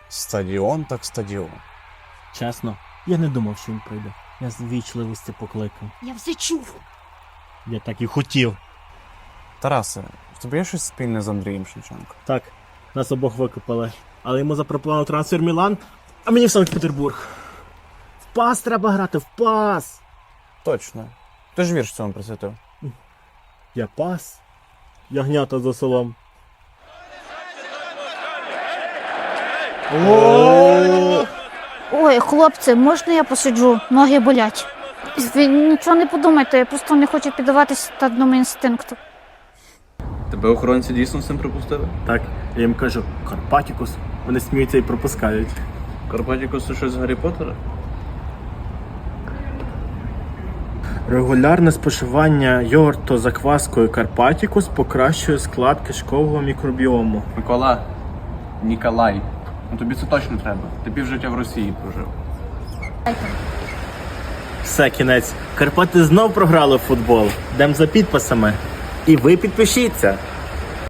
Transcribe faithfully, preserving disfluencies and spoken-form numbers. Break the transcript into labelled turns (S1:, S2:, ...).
S1: Стадіон так стадіон.
S2: Чесно, я не думав, що він прийде. Я з ввічливості покликав.
S3: Я все чув.
S2: Я так і хотів.
S1: Тарасе, в тебе є щось спільне з Андрієм Шевченко?
S2: Так, нас обох викопали. Але йому запропонував трансфер в Мілан, а мені в Санкт-Петербург. В пас треба грати, в пас!
S1: Точно. Ти ж вірш цьому присвятив.
S2: Я пас. Ягнята за селом.
S3: Ой, хлопці, можна я посиджу? Ноги болять. Ви нічого не подумайте, я просто не хочу піддаватися стадному інстинкту.
S4: Тебе охоронці дійсно з цим припустили?
S2: Так, я їм кажу, Карпатікус. Вони сміються і пропускають.
S4: Карпатікус це щось з Гаррі Поттера?
S2: Регулярне споживання йогурту з закваскою Карпатікус покращує склад кишкового мікробіому.
S4: Микола, Ніколай. Ну тобі це точно треба. Ти півжиття в Росії прожив.
S2: Все, кінець. Карпати знов програли в футбол. Йдем за підписами. І ви підпишіться.